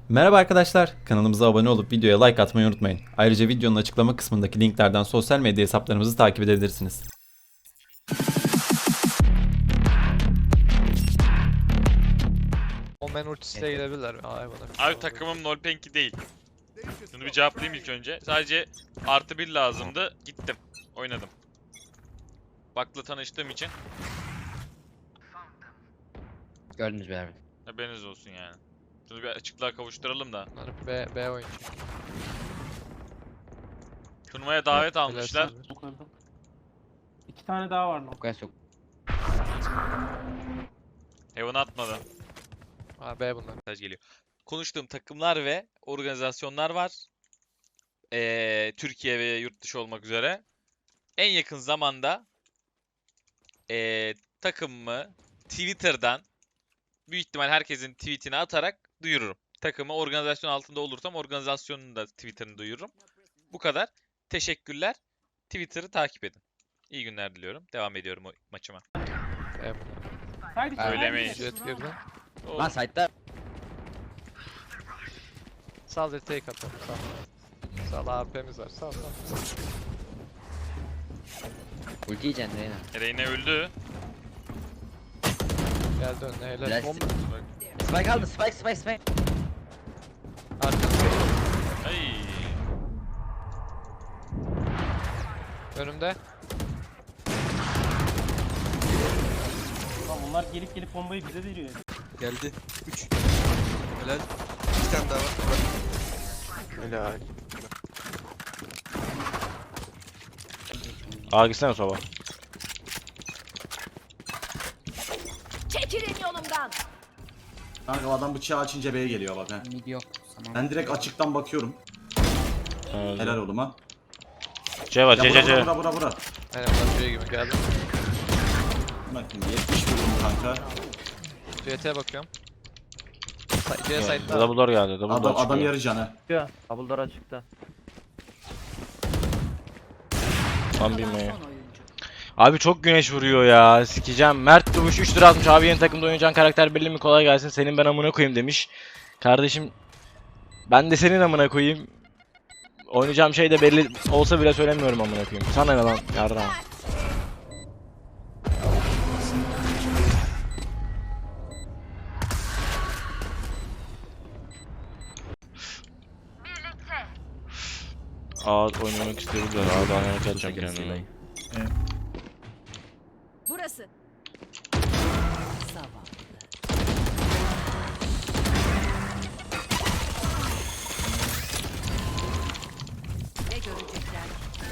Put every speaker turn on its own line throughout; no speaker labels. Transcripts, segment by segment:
Merhaba arkadaşlar, kanalımıza abone olup videoya like atmayı unutmayın. Ayrıca videonun açıklama kısmındaki linklerden sosyal medya hesaplarımızı takip edebilirsiniz.
Omen ultisiyle girebilirler mi?
Abi takımım Nolpenki değil. Bunu bir cevaplayayım ilk önce. Sadece +1 lazımdı. Gittim. Oynadım. Bak'la tanıştığım için
Gördünüz mü abi?
haberiniz olsun yani. Şunu bir açıklığa kavuşturalım da.
Bunlar B oyuncu.
Turnuvaya davet almışlar.
Yukarıda. 2 tane daha var mı?
O kadar çok.
Heaven atmadı.
Ha B bunlar.
Mesaj geliyor. Konuştuğum takımlar ve organizasyonlar var. Türkiye ve yurt dışı olmak üzere. En yakın zamanda takımımı Twitter'dan büyük ihtimal herkesin tweetini atarak duyururum. Takımı organizasyon altında olursam organizasyonun da Twitter'ını duyururum. Bu kadar. Teşekkürler. Twitter'ı takip edin. İyi günler diliyorum. Devam ediyorum o maçıma.
B bunlar.
Haydi
Söylemeyin.
Jet girdi.
Lan site'da
Sal da take atalım. Sal. Sal AP'miz var. Sal.
ulti yiyeceksin Reyna.
Reyna öldü.
Geldi önüne helal.
Biraz-
Bomba.
Spike aldı, spike.
Arkası.
Ay.
Önümde.
Lan bunlar gelip bombayı bize veriyor.
Geldi. 3. Helal. 2 tane daha var.
Helal.
Aa gitsene soba.
Çekilin yolumdan.
Kanka adam bıçağı açınca B'ye geliyor bak he.
Mid yok. Tamam.
Ben direkt açıktan bakıyorum. Helal oğlum ha.
C var
Ya
C.
Aynen
bura.
bunlar şey gibi geldi.
Bakın 70 vurdum kanka.
CT'ye bakıyorum. C site'da.
Double door geldi. Double door
Adam
çıkıyor.
yarı canı.
Double'lar açıkta.
Tam bilmeyi. Abi çok güneş vuruyor ya. Sikeceğim. Mert Duvuş 3 lira atmış. Abi yeni takımda oynayacağın karakter belli mi? Kolay gelsin. Senin ben amına koyayım demiş. Kardeşim ben de senin amına koyayım. Oynayacağım şey de belli olsa bile söylemiyorum amına koyayım. Sana ne lan yarra. Aa oynamak isteyebilirler. Aa daha ne atacağım kendime.
Burası. Zavallı. Ne görecekler?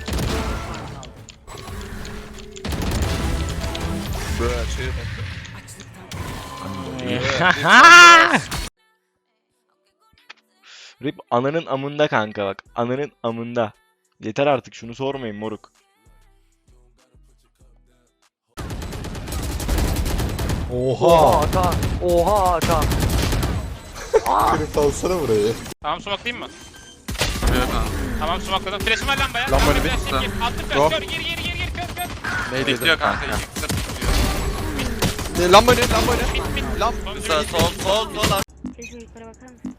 Böyle şey.
Rip ananın amında kanka bak. Ananın amında. Yeter artık şunu sormayın moruk.
Oha Hakan. Oha Hakan.
Salsana burayı.
Tamam smoke'layayım mı? Tamam smoke'ladım. Flash'ım var lambaya.
Lambanı bir
Flash'ım
tuta.
gir. Attım
Go.
flash. Gir. Kör.
Bekliyor kanka. Lamba ne? Sol.
Çocuğu yukarı bakar mısın?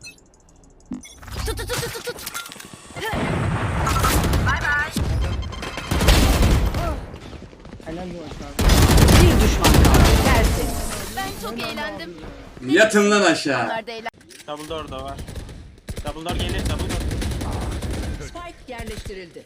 Bir düşman kaldı. Dersin. Ben çok eğlendim.
Yatın lan aşağı.
Onlar da eğlen.
Double door da var. Double door gelir, double door.
Spike yerleştirildi.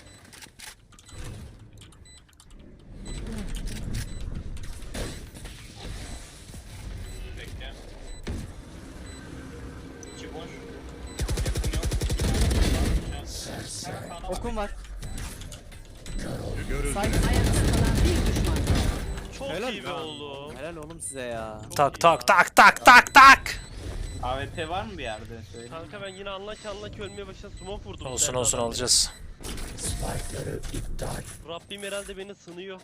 Okum var.
Ayakta kalan bir düşman kaldı.
Çok iyi be oğlum.
Helal oğlum size ya.
Tak.
AWP var mı bir yerde? Söyle. Kanka ben yine anlaç ölmeye başladım. Smoke vurdum.
Olsun alacağız.
Rabbim herhalde beni sınıyor.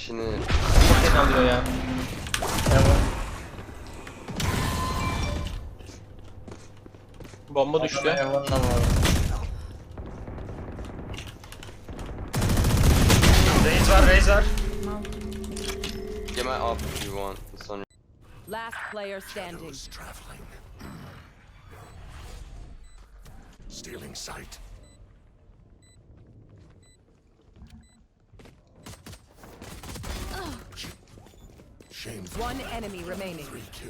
Bomba düştü. Razer.
Get my up if you want.
Last player standing. One enemy remaining.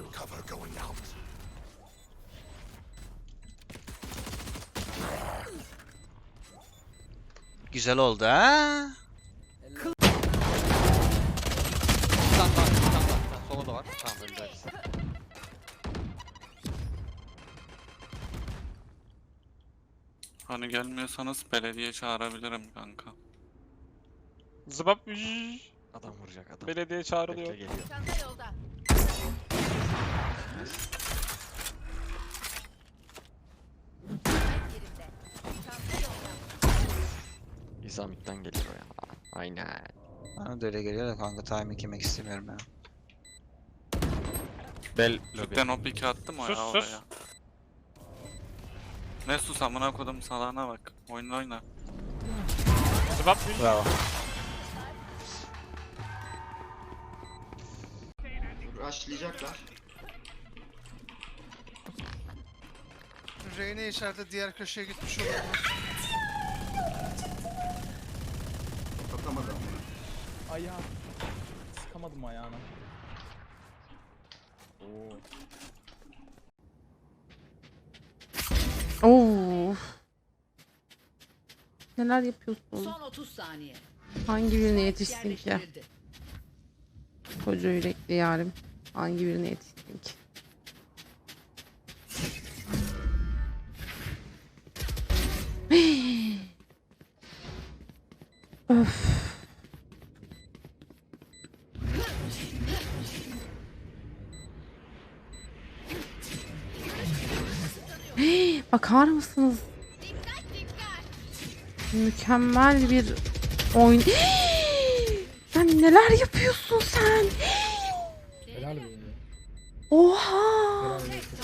Güzel oldu ha.
Sola da var. Tamam öldü.
Hani gelmiyorsanız belediye çağırabilirim kanka.
Zıbap.
Adam vuracak adam.
Belediye çağrılıyor.
Bekle geliyor.
Çanta yolda. Yerinde. Çanta yolda.
İzamit'ten geliyor ya. Aynen.
Bana da öyle geliyor da kanka timing yemek istemiyorum ya.
Bel
Cidden o piki attım o
Sus,
ya
sus.
oraya. Ne sus amına kodum salağına bak. Oyna.
Zıbap.
Bravo.
Rushlayacaklar.
Reyne içeride diğer köşeye gitmiş olabilir.
Atamadı ama.
Ayağı. Sıkamadım ayağına.
Oo. Neler yapıyorsun?
Son 30 saniye.
Hangi birine yetişsin ki?
Yerleştirildi.
Koca yürekli yarim. Hangi birine yetişsin ki? Öf. Bakar mısınız? Mükemmel bir oyun. Sen neler yapıyorsun sen? Oha!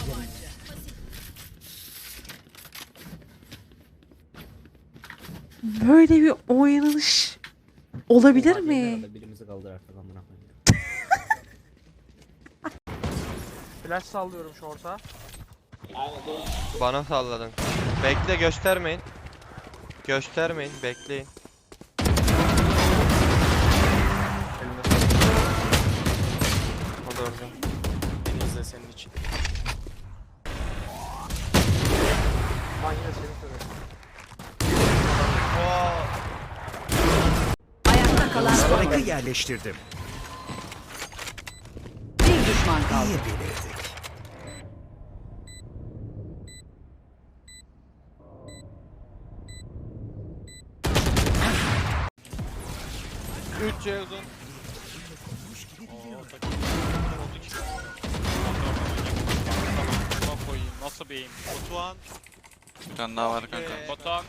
Böyle bir oynanış olabilir mi?
Birimizi kaldır artık amına koyayım.
Flash sallıyorum short'a.
Bana salladın. Bekle göstermeyin. Göstermeyin bekleyin. O da orada.
Beni izle senin için.
Ben yine seni söylüyorum.
Ayakta kalan son oyuncu.
Yerleştirdim.
Bir düşman kaldı.
Üç C uzun. Nasıl bir aim? Batuhan.
Bir tane daha var kanka.
Batuhan.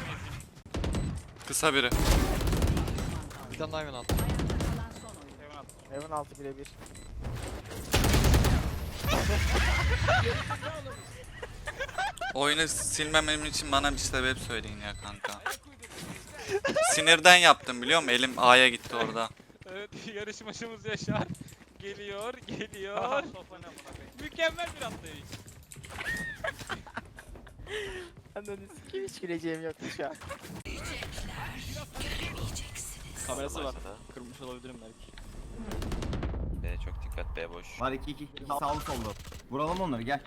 Kısa biri.
Bir tane daha hemen al.
Heaven altı birebir.
Oyunu silmemem için bana bir sebep söyleyin ya kanka. Sinirden yaptım biliyor musun? Elim A'ya gitti orada.
Evet yarışmacımız Yaşar. Geliyor. Mükemmel bir atlayış.
Hiç güleceğim yoktu şu an.
Kamerası var. Kırmış olabilirim belki.
B çok dikkat, B boş.
Var 2 sağlı sollu. Vuralım onları gel.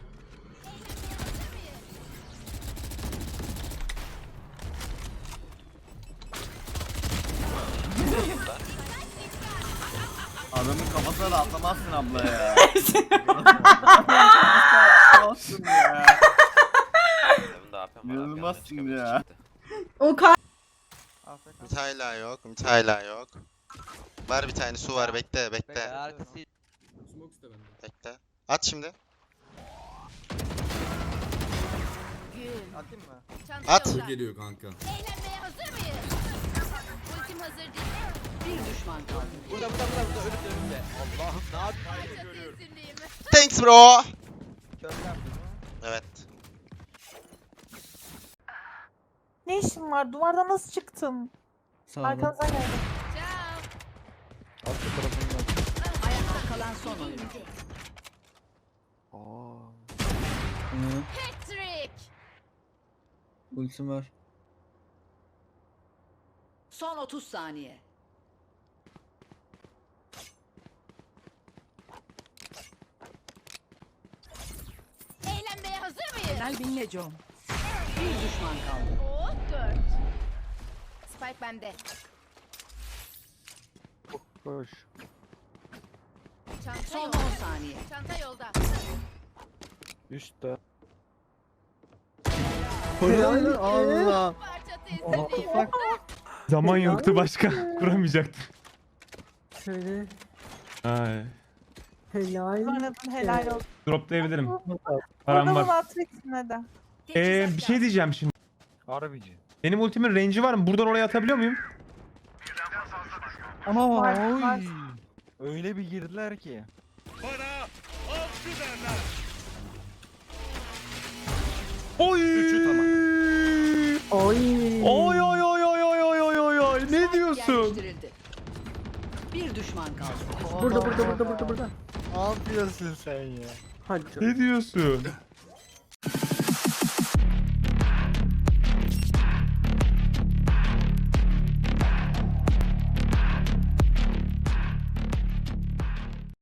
Adamın kafasına da atlamazsın abla ya. Atlamazsın ya. İnanılmazsın ya.
O kadar.
Mit hala yok. Var bir tane su var, bekle. Bekle. At şimdi.
Atayım mı?
At.
Geliyor kanka.
Eğlenmeye hazır mıyız? Ultim hazır değil.
Bir düşman kaldı.
Burada önümde. Allah'ım ne yapayım?
Thanks bro.
Körler bunu.
Evet.
Ne işin var? Duvarda nasıl çıktın? Arkanıza geldim.
Alt tarafından.
Ayakta kalan son oyuncu.
Patrick.
Ultim var.
Son 30 saniye.
Eğlenmeye hazır mıyız?
Kalbinle John. Bir düşman kaldı.
Oo, 4. Spike bende.
Koş.
Çanta
Son
yolda.
10 saniye.
Çanta yolda.
Üstte.
Allah.
Parça teslim.
Zaman yoktu başka. Kuramayacaktım.
Şöyle.
Ay.
Helal olsun.
Droplayabilirim. Param var. Bir şey diyeceğim şimdi.
Harbici.
Benim ultimin range'i var mı? Buradan oraya atabiliyor muyum?
Ama oy. Öyle bir girdiler ki.
Oy!
Oy.
Oy oy oy oy oy oy oy oy oy. Ne diyorsun?
Yerleştirildi. Bir düşman kaldı.
Burada. Ne yapıyorsun sen ya? Hadi.
Ne diyorsun?